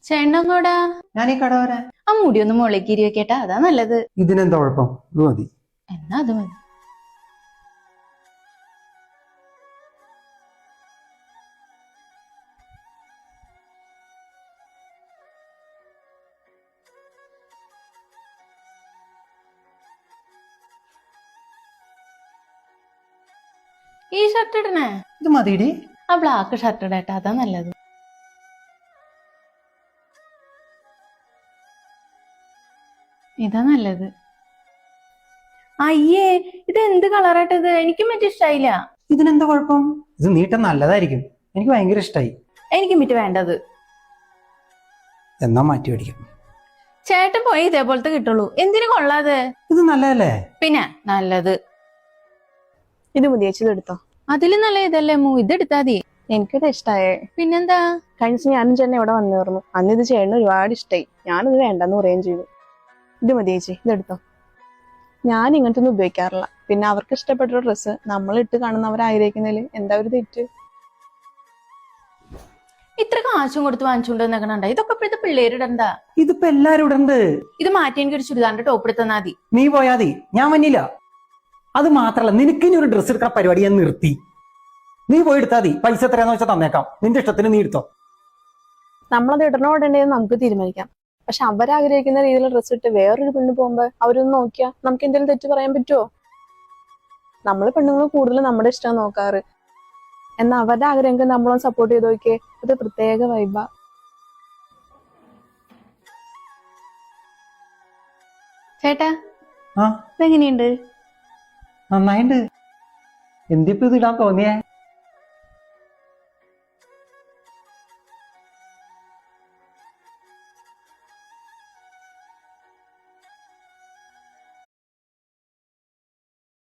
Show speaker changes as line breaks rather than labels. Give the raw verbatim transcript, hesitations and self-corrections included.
ചേട്ടനങ്ങോടാ?
ഞാൻ ഈ കട വരാൻ.
ആ മുടി ഒന്ന് മുളക്കി ഇരിവെക്കേട്ടാ, അതാ നല്ലത്.
ഇതിനെന്താ കുഴപ്പം? ഇത് മതി.
എന്നാ അത് മതി. ഈ ഷർട്ട് ഇടണേ?
ഇത് മതിയിടി.
ആ ബ്ലാക്ക് ഷർട്ട് ഇടേട്ടാ, അതാ നല്ലത്. ഇതാ നല്ലത്. അയ്യേ, ഇത് എന്ത് കളറായിട്ടത്? എനിക്കും മറ്റേ ഇഷ്ടായില്ല.
ഇതിനെന്താ കുഴപ്പം? ഇത് നീട്ടം നല്ലതായിരിക്കും. എനിക്ക് ഭയങ്കര ഇഷ്ടായി.
എനിക്കും മറ്റേ വേണ്ടത്.
എന്നാ മാറ്റി മേടിക്കാം.
ചേട്ടൻ പോയി ഇതേപോലത്തെ കിട്ടുള്ളൂ, എന്തിനു കൊള്ളാതെ?
ഇത് നല്ലതല്ലേ?
പിന്നെ നല്ലത്.
ഇത് മതി ചേച്ചി, ഇത് എടുത്തോ.
അതിലും നല്ല ഇതല്ലേ മൂ, ഇതെടുത്താ മതി.
എനിക്കിത് ഇഷ്ടായേ.
പിന്നെന്താ?
കഴിഞ്ഞ ദിവസം ഞാനും ചേട്ടൻ ഇവിടെ വന്നു പറഞ്ഞു. അന്ന് ഇത് ചേട്ടന് ഒരുപാട് ഇഷ്ടമായി. ഞാനിത് വേണ്ടെന്ന് പറയുകയും ചെയ്തു. ഇത് മതി ചേച്ചി, ഇതെടുത്തോ. ഞാൻ ഇങ്ങനത്തെ ഒന്നും ഉപയോഗിക്കാറില്ല. പിന്നെ അവർക്ക് ഇഷ്ടപ്പെട്ട ഡ്രസ്സ് നമ്മൾ ഇട്ട് കാണുന്നവർ ആഗ്രഹിക്കുന്നതിൽ എന്താ ഒരു തെറ്റ്?
ഇത്ര കാശും കൊടുത്ത് വാങ്ങിച്ചുകൊണ്ട് വന്നേക്കണണ്ട, ഇതൊക്കെ ഇപ്പോഴത്തെ പിള്ളേരിടണ്ട.
ഇതിപ്പോ എല്ലാരും ഇടണ്ട്.
ഇത് മാറ്റി എനിക്ക് ഒരു ചുരിദാറിന്റെ ടോപ്പ് എടുത്താൽ മതി.
നീ പോയാതി, ഞാൻ വന്നില്ല. അത് മാത്രല്ല, നിനക്ക് ഇനി ഒരു ഡ്രസ്സ് എടുക്കാൻ പരിപാടി ഞാൻ നിർത്തി. നീ പോയി എടുത്താൽ മതി. പൈസ എത്രയാന്ന് വെച്ചാൽ തന്നേക്കാം. നിന്റെ ഇഷ്ടത്തിന് നീ എടുത്തോ.
നമ്മളത് ഇടണോ ഇടണ്ടേന്ന് നമുക്ക് തീരുമാനിക്കാം. പക്ഷെ അവരാഗ്രഹിക്കുന്ന രീതിയിലുള്ള ഡ്രസ്സ് ഇട്ട് വേറൊരു പെണ്ണ് പോകുമ്പോ അവരൊന്ന് നോക്കിയാൽ നമുക്ക് എന്തെങ്കിലും തെറ്റ് പറയാൻ പറ്റുമോ? നമ്മൾ പെണ്ണുങ്ങൾ കൂടുതൽ നമ്മുടെ ഇഷ്ടം നോക്കാറ്. എന്നാൽ അവരുടെ ആഗ്രഹങ്ങൾക്ക് നമ്മളൊന്ന് സപ്പോർട്ട് ചെയ്ത് നോക്കിയേ, അത് പ്രത്യേക വൈബാ.
ചേട്ടാ,
ആ
ഇതെങ്ങനെയുണ്ട്?
നന്നായിണ്ട്. എന്തിപ്പോ ഇത് ഇടാൻ തോന്നിയേ?